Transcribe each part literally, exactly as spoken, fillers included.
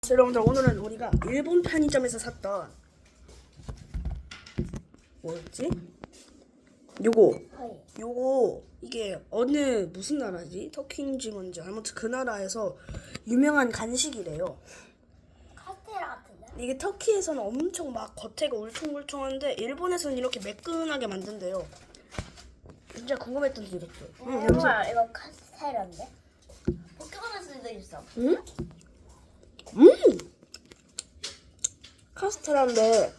여러분들, 오늘은 우리가 일본 편의점에서 샀던 뭐였지? 요거 요거 이게 어느 무슨 나라지? 터키인지 뭔지 아무튼 그 나라에서 유명한 간식이래요. 카스테라 같은데? 이게 터키에서는 엄청 막 겉에가 울퉁불퉁한데 일본에서는 이렇게 매끈하게 만든대요. 진짜 궁금했던 게 이랬죠. 응, 정말 이거 카스테라인데? 포켓몬에서도 있어. 응? 음! 카스테라인데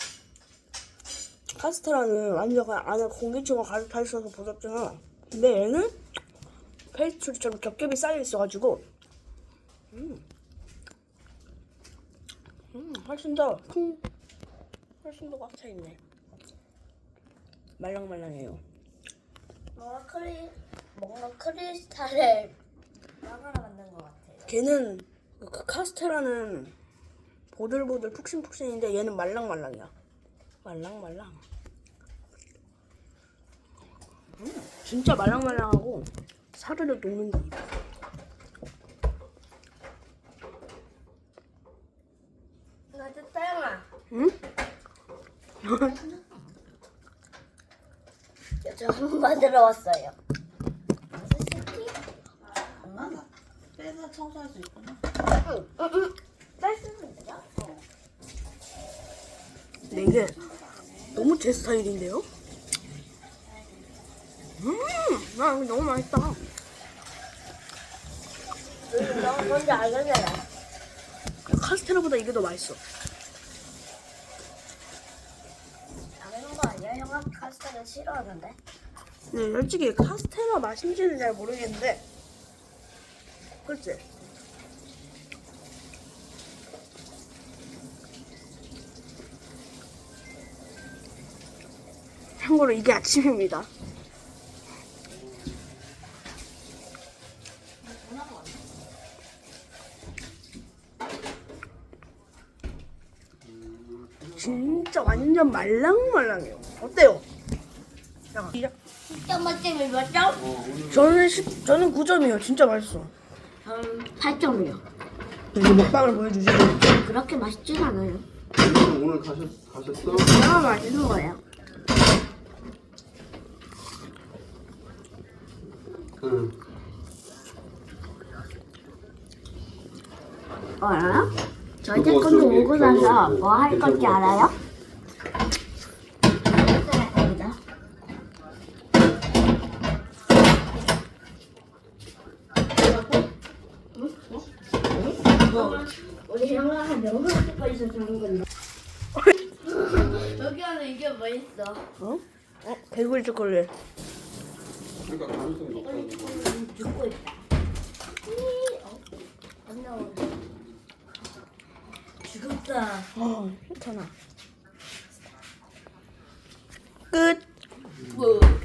카스테라는 완전 안에 공기층가 가득 차 있어서 부럽잖아. 근데 얘는 페이스트리처럼 겹겹이 쌓여 있어가지고 음, 음 훨씬 더 큰, 훨씬 더 꽉 차 있네. 말랑말랑해요. 뭔가 크리 뭔가 크리스탈을 빵으로 만든 것 같아요. 걔는 그 카스테라는 보들보들 푹신푹신인데 얘는 말랑말랑이야. 말랑말랑. 음, 진짜 말랑말랑하고 사르르 녹는다. 나도 따영아. 응? 저 한번 만들어 왔어요. 스티키? 엄마가 빼서 청소할 수 있구나. 응, 응, 응. 뺄수는 되죠? 근데 이게 너무 제 스타일인데요? 음, 나 이거 너무 맛있다. 응, 너 뭔지 알겠잖아. 카스테라보다 이게 더 맛있어. 당연한 거 아니야? 형아 카스테라 싫어하는데? 네, 솔직히 카스테라 맛인지는 잘 모르겠는데, 그렇지? 참고로 이게 아침입니다. 진짜 완전 말랑말랑해요. 어때요? 야, 십 점 만점에 몇 점? 저는 십, 저는 구 점이요. 진짜 맛있어. 음, 팔 점이요. 이제 먹방을 보여주시죠. 그렇게 맛있진 않아요. 오늘, 오늘 가셨, 가셨어? 너무 맛있는 거예요. 응. 어, 알아요? 저희 태권도 오고 나서 뭐 할 건지 알아요? 여기다. 우리 형아가 너무 찍고 있어서 하는 건데. 여기 안에 이게 뭐 있어? 어? 어? 개구리 초콜릿. 그러니까 가능성이 높다는 거. 죽고 있다. 어? 안 나오네. 죽었다. 어, 괜찮아. 끝. 뭐?